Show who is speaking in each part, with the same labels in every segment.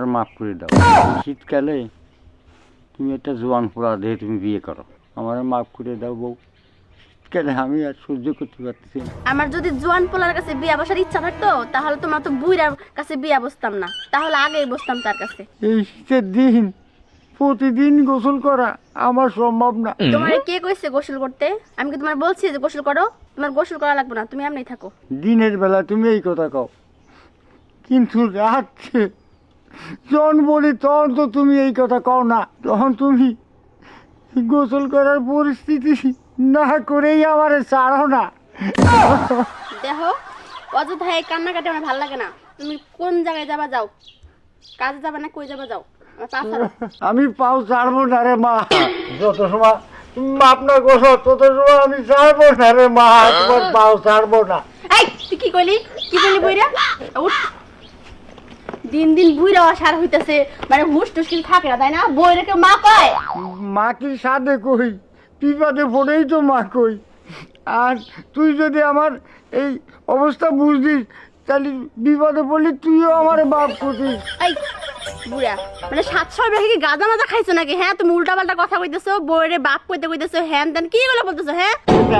Speaker 1: মাফ করে দাও। শীতকালে তুমি একটা জোয়ান পোড়া দিয়ে তুমি বিয়ে করো, আমার মাফ করে দাও বউ। শীতকালে আমি আর সহ্য করতে পারতেছি না।
Speaker 2: আমার যদি জোয়ান পোলার কাছে বিয়া বসার ইচ্ছা থাকতো তাহলে তোমার তো বুইরার কাছে বিয়া বসতাম না, তাহলে আগেই বসতাম তার কাছে।
Speaker 1: এই শীতের দিন প্রতিদিন গোসল করা আমার সম্ভব না।
Speaker 2: তোমার কে কইছে গোসল করতে? আমি কি তোমার বলছি যে গোসল করো? তোমার গোসল করা লাগবে না, তুমি এমনি থাকো।
Speaker 1: দিনের বেলা তুমি এই কথা কও, কিন্তু রাত্রে যখন বলি তখন তো তুমি এই কথা কও না। তখন তুমি গোসল করার পরিস্থিতি না করেই আমারে ছাড়ো না।
Speaker 2: দেখো, অযথা এই কান্নাকাটি আমার ভালো লাগে না। তুমি কোন জায়গায় যাবা যাও, কাজে যাবা না কই যাবা যাও, আমার পা ছাড়ো।
Speaker 1: আমি পাও ছাড়বো না রে মা। যত সময় তুমি মাপ না গোসো তত সময় আমি ছাড়বো না রে মা, তোমার পাও ছাড়বো না।
Speaker 2: এই তুই কি কইলি বুইরা? উঠ। দিন দিন বুইরা সার হইতাছে, মানে হুশ টুস কিছু থাকে না, তাই না? বইরে কেউ মা কয়?
Speaker 1: মা কি সাধে কই, বিপদে পড়েই তো মা কই। আর তুই যদি আমার এই অবস্থা বুঝদিস তাহলে বিপদে পড়লি তুইও আমার বাপ করতিস।
Speaker 2: এই বুড়া, মানে 700 বেশি কি গাঁজা মাজা খাইছো নাকি? হ্যাঁ, তুমি উল্টা পাল্টা কথা কইতেছো, বইরে বাপ কইতেছো, হ্যান তেন কি গুলো বলতেছো? হ্যাঁ,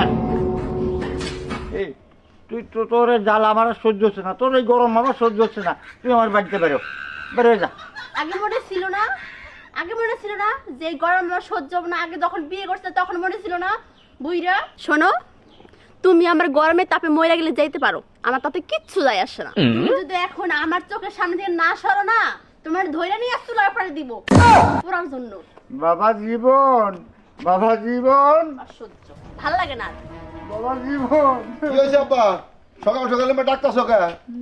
Speaker 1: এই তুই তো তোর জাল আমার আর সহ্য হচ্ছে না, তোর এই গরম আমার সহ্য হচ্ছে না। তুই আমার বাড়িতে বেরো, বেরো যা।
Speaker 2: আগে মনে ছিল না, যে এই গরম আমার সহ্য হবে না? আগে যখন বিয়ে করছে তখন মনে ছিল না? বুইরা শোনো, তুমি আমার গরমের তাপে মইরা গেলে যাইতে পারো, আমার তাতে কিচ্ছু যায় আসে না। তুমি যদি এখন আমার চোখের সামনে থেকে না সরো না, তোমার ধইরা নিয়ে চুলার পাড়ে দিব পুরার জন্য।
Speaker 1: বাবা জীবন, বাবা জীবন,
Speaker 2: অসহ্য, ভাল লাগে না।
Speaker 1: বাবা জীবন।
Speaker 3: কি হয়েছে আব্বা? সকাল সকালে ডাক্তার সকা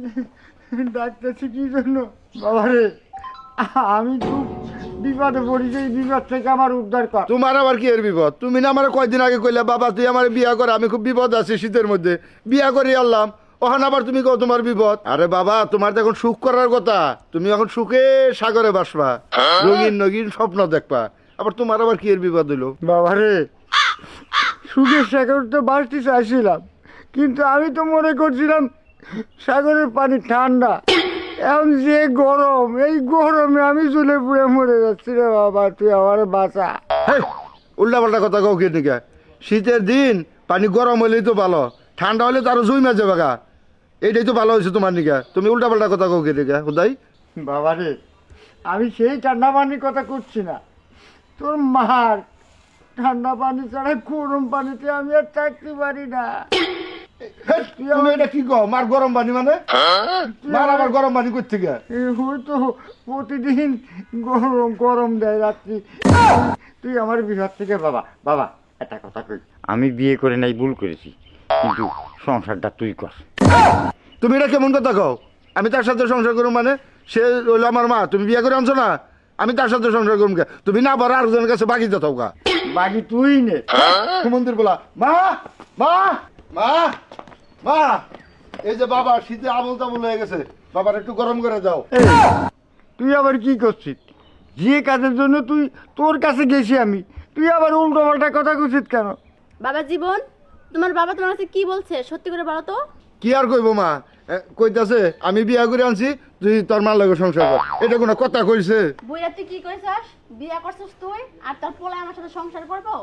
Speaker 1: ডাকতেছি কি জন্য? বাবা রে, আমি খুব বিপদে পড়েছি, এই বিপদ থেকে আমার উদ্ধার কর।
Speaker 3: তোমার আবার কি এর বিপদ? তুমি না আমার কয়দিন আগে কইলে বাবা তুই আমার বিয়া করে, আমি খুব বিপদ আছি শীতের মধ্যে, বিয়া করে আনলাম, ওখান আবার তুমি কও তোমার বিপদ। আরে বাবা, তোমার তো এখন সুখ করার কথা, তুমি এখন সুখে সাগরে বাসবা, রঙিন রঙিন স্বপ্ন দেখবা, আবার তোমার আবার কি এর বিপদ হইলো?
Speaker 1: বাবা রে, সুখের সাগর তো বাঁচতে চাইছিলাম, কিন্তু আমি তো মনে করছিলাম সাগরের পানি ঠান্ডা। এখন যে গরম, এই গরমে আমি চলে পুড়ে মরে যাচ্ছি রে বাবা, তুই আমার বাঁচা।
Speaker 3: উল্টা পাল্টা কথা কও কি নিকা? শীতের দিন পানি গরম হইলেই তো ভালো, ঠান্ডা হলে তো আরো জুই মাঝে বাগা, এইটাই তো ভালো হয়েছে তোমার নিকা। তুমি উল্টা পাল্টা কথা কও কি নিকা হুদাই?
Speaker 1: বাবা রে, আমি সেই ঠান্ডা পানির কথা করছি না, তোর মার ঠান্ডা পানি ছাড়া গরম পানিতে আমি আর থাকতে পারি না।
Speaker 3: তুমি এটা কি কও? মার গরম পানি মানে? মার আবার গরম পানি করতে গিয়া
Speaker 1: হয়তো প্রতিদিন গরম গরম দেয় রাত্রি। তুই আমার বিহার থেকে বাবা, বাবা একটা কথা কই, আমি বিয়ে করে নাই ভুল করেছি, কিন্তু সংসারটা তুই কর।
Speaker 3: তুমি এটা কেমন কথা কও? আমি তার সাথে সংসার করুম মানে? সে হইলো আমার মা, তুমি বিয়ে করে আনছো না, আমি তার সাথে সংসার করুম কে? তুমি না বড় আরেকজনের কাছে বাকি যাও গা,
Speaker 1: বাকি তুই নে।
Speaker 3: মন্দির বলা মা মা মা মা, এই যে বাবা শীতে আবল তাবল হয়ে গেছে, বাবার একটু গরম করে দাও।
Speaker 1: এই, তুই আবার কি করছিস? যে কাজের জন্য তুই তোর কাছে গেছি আমি, তুই আবার উল্টো পাল্টা কথা করছিস কেন?
Speaker 2: বাবা জীবন, তোমার বাবা তোমার কাছে কি বলছে সত্যি করে বলো তো?
Speaker 3: কি আর কইবো মা, কইতাছে আমি বিয়া করে আনছি, তুই তোর মার লগে সংসার কর, এটা কোনো কথা কইছে?
Speaker 2: বুইরা তুই কি কইছস? বিয়া করছিস তুই আর তোর পোলা আমার সাথে সংসার করবো?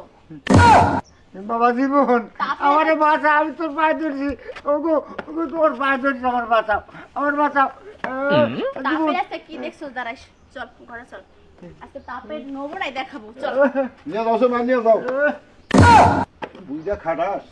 Speaker 1: বাবা জীবন, আমার বাঁচা, আমি তোর পায়ে ধরছি, ওগো ওগো তোর পায়ে ধরছি, আমার বাঁচাও, আমার বাঁচাও।
Speaker 2: তাপের আছে কি দেখছস? দাঁড়াইস, চল ঘরে চল, আজকে তাপের নবরাই দেখাবো, চল।
Speaker 3: নিয়ে যাও মা, নিয়ে যাও। বুইরা খাটাস,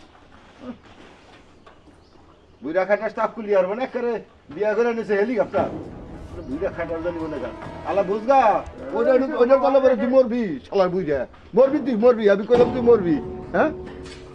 Speaker 3: বুইরা খাটাস তাপ কুলি আর মানে করে বিয়া করে নিছে হেলিকপ্টার, বুইরা খাটাস জানি মনে কর আলা বুঝগা, ওইটা বলে বলে তুই মরবি, শালা বুইরা মরবি, তুই মরবি, আমি কইলাম তুই মরবি। হ্যাঁ